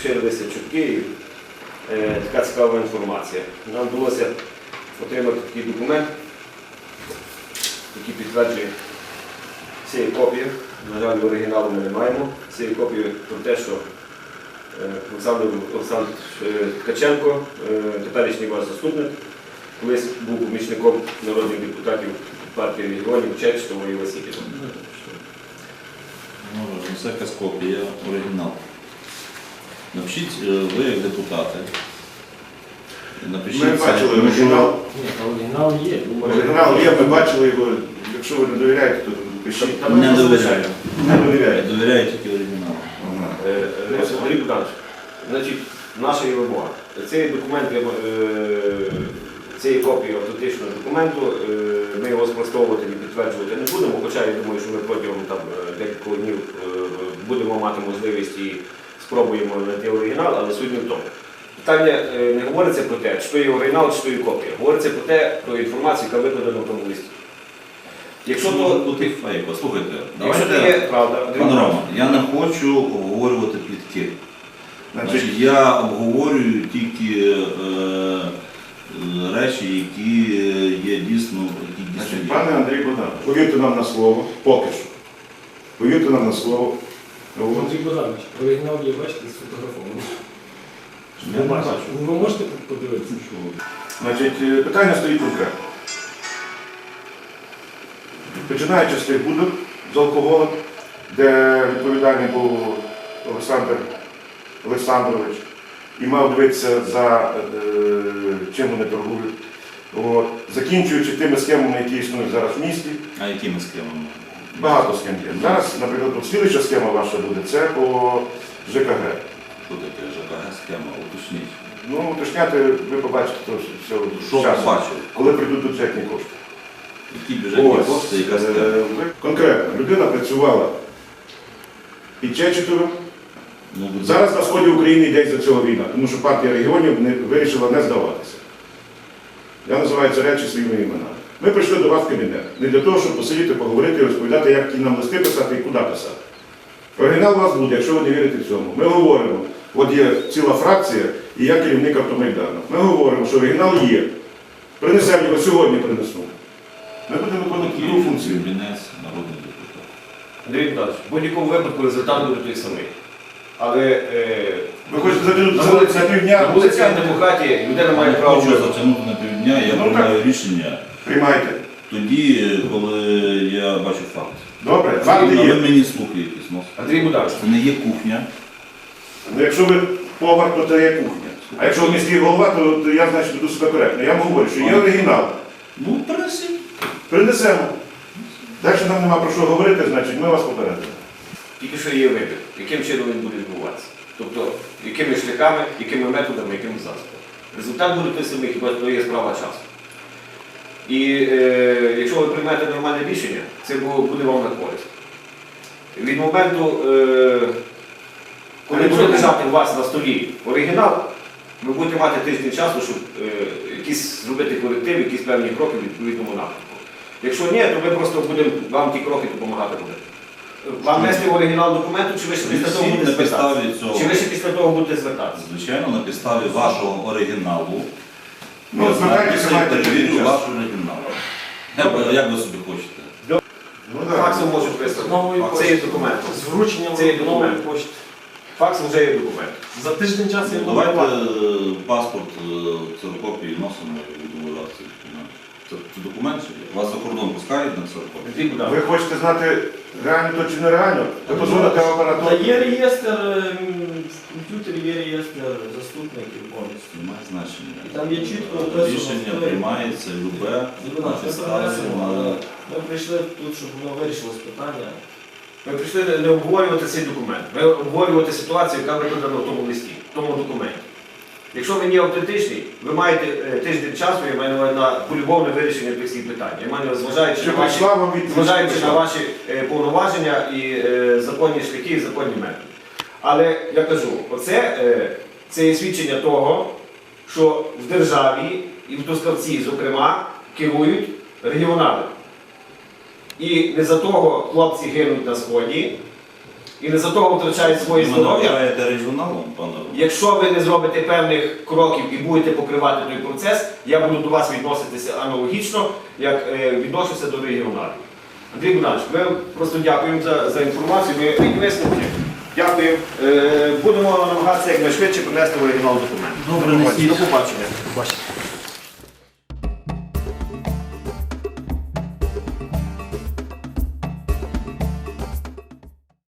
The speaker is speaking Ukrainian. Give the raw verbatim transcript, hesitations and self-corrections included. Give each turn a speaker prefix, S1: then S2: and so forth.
S1: поширилися чутки і е, така цікава інформація. Нам вдалося отримати такий документ, який підтверджує цієї копії. На жаль, оригіналу ми не маємо. Цієї копії про те, що е, Олександр, Олександр е, Ткаченко, е, теперішній ваш заступник, колись був помічником народних депутатів партії регіонів Чечетова і Васильєва.
S2: Ну, це якась копія, оригінал. Напишіть, ви як депутати. Напишіть,
S3: Ми бачили оригінал.
S4: Ні, оригінал є.
S3: Оригінал є, ми бачили його. Якщо ви не довіряєте, то пишіть.
S2: Не довіряю.
S3: Не
S2: Я
S3: довіряєте.
S2: довіряю тільки оригіналу.
S3: Ага.
S1: Е, е, Андрій Богданович, значить, наша є вимога. Цей документ, е, цієї копії автентичного документу, е, ми його спростовувати і підтверджувати не будемо, хоча я думаю, що ми протягом там, декількох днів е, будемо мати можливість і спробуємо знайти оригінал, але суть не в тому. Питання е, не говориться про те, що є оригінал, що є копія. Говориться про те, про інформацію, яка викладена в тому листі. Якщо
S2: Що
S1: то
S2: може бути фейк? Послухайте,
S1: якщо
S2: давайте,
S1: це є правда, Андрій
S2: пан
S1: Богданович,
S2: Роман, я не хочу обговорювати плітки.
S3: Значить,
S2: Значить, я обговорюю тільки е, е, речі, які є дійсно, які дійсно
S3: значить,
S2: є.
S3: пане Андрій Богданович, повірте нам на слово, поки що. Повірте нам на слово. От.
S4: Андрій Богданович, оригінал є, бачите, сфотографований.
S2: Я не бачу.
S4: Ви можете подивитися?
S3: Значить, е, питання стоїть конкретно. Починаючи з тих будок з алкоголем, де відповідальний був Олександр Олександрович і мав дивитися за е, чим вони торгують. От. Закінчуючи тими схемами, які існують зараз в місті,
S2: А якими схемами?
S3: багато схем є. Зараз, наприклад, от слідуюча схема ваша буде, це по ЖКГ.
S2: Що таке ЖКГ схема? Уточніть.
S3: Ну, уточняти, ви побачите то все
S2: Що
S3: часом,
S2: побачили?
S3: коли прийдуть бюджетні кошти.
S2: Які бюджетні
S3: Ось,
S2: кошти, яка
S3: е,
S2: схема?
S3: ви- конкретно, людина працювала під Чечетовим.
S2: Ну, будь-
S3: Зараз на сході України йде за цього війна, тому що партія регіонів не, вирішила не здаватися. Я називаю ці речі своїми іменами. Ми прийшли до вас в кабінет не для того, щоб посидіти, поговорити і розповідати, як ті нам листи писати і куди писати. Оригінал у вас буде, якщо ви не вірите цьому. Ми говоримо, от є ціла фракція і я керівник Автомайдану. Ми говоримо, що оригінал є. Принесемо його сьогодні, принесу. Ми будемо виконувати другу функцію.
S2: Юрінець, народний депутат.
S1: Андрій Богданович, в будь-якому випадку результат буде той самий. Але е,
S3: Ви хочете затягнути
S1: на
S3: за,
S1: вулиці,
S3: за півдня?
S1: на вулиці демократії людина має
S2: Я
S1: право
S2: хочу
S1: вибору.
S2: затягнути на півдня, я
S3: Ну,
S2: приймаю рішення
S3: Приймайте.
S2: тоді, коли я бачу факт.
S3: Добре,
S2: А
S3: факти
S2: ви
S3: є.
S2: мені слухи якісь носите.
S1: Андрій Богданович,
S2: Це не є кухня.
S3: Ну, якщо ви повар, то це є кухня. А якщо ви міський голова, то, то я, значить, веду себе коректно. Я вам говорю, що є оригінал.
S2: Ну, принесіть.
S3: Принесемо. Далі нам нема про що говорити, значить, ми вас попередимо.
S1: тільки що є вибір, яким чином він буде відбуватися. Тобто, якими шляхами, якими методами, якими засобами. Результат буде той самий, хіба то є справа часу. І е, якщо ви приймете нормальне рішення, це бу- буде вам на користь. Від моменту, е, коли буде лежати у вас на столі оригінал, ви будете мати тиждень часу, щоб е, якісь зробити коректив, якісь певні кроки в відповідному напрямку. Якщо ні, то ми просто будемо вам ті кроки допомагати буде. Вам нести оригінал документу, чи ви ще після того
S2: Принесіть
S1: будете
S2: на
S1: звертатися?
S2: підставі цього.
S1: Чи ви ще після того будете звертатися?
S2: Звичайно, на підставі вашого оригіналу.
S3: Ну,
S2: я
S3: звертайтеся,
S2: знаю,
S3: маєте
S2: перевірю
S3: час.
S2: ваш оригінал. Як, як ви собі хочете?
S3: Ну, да.
S1: Факсом можуть вислати.
S4: Нової
S1: Це
S4: пошти.
S1: є документ.
S4: З врученням
S1: Це є
S4: нової
S1: документ.
S4: пошти.
S1: Факс вже є документ.
S4: За тиждень часу я
S2: Ну,
S4: буду
S2: давайте
S4: давати.
S2: е, паспорт, е, ксерокопії носимо і будемо вважати цей документ. Це, це документ, чи ні? Вас за кордон пускають на ксерокопію?
S1: Андрій Богданович,
S3: Ви хочете знати, реально то чи нереально? Ви позвоните в
S5: Та
S3: апаратуру.
S5: є реєстр, ем, в комп'ютері є реєстр заступників повністю.
S2: Немає значення.
S5: І там є чітко описано,
S2: Рішення
S5: хто є.
S2: приймається любе
S5: Зрозуміло,
S2: на
S5: ми
S2: підставі
S5: перенесемо,
S2: на...
S5: але ми прийшли тут, щоб воно вирішилось питання.
S1: ми прийшли не- не обговорювати цей документ, ми обговорювати ситуацію, яка викладена в тому листі, в тому документі. Якщо він є автентичний, ви маєте е, тиждень часу, я маю на увазі, на полюбовне вирішення тих всіх питань. Я маю на увазі, зважаючи
S3: Чи
S1: на ваші,
S3: прийшла вам відповідь?
S1: зважаючи на ваші е, повноваження і е, законні шляхи, і законні методи. Але я кажу, оце е, це є свідчення того, що в державі і в Трускавці, зокрема, керують регіонали. І не за того хлопці гинуть на сході, і не за того втрачають своє
S2: Ви
S1: здоров'я.
S2: називаєте регіоналом, пане Романе?
S1: Якщо ви не зробите певних кроків і будете покривати той процес, я буду до вас відноситися аналогічно, як е, відношуся до регіоналів. Андрій Богданович, ми просто дякуємо за, за інформацію, ми і висновки. Дякую. Е, будемо намагатися якнайшвидше принести в оригінал документ.
S2: Добре, несіть.
S1: До побачення.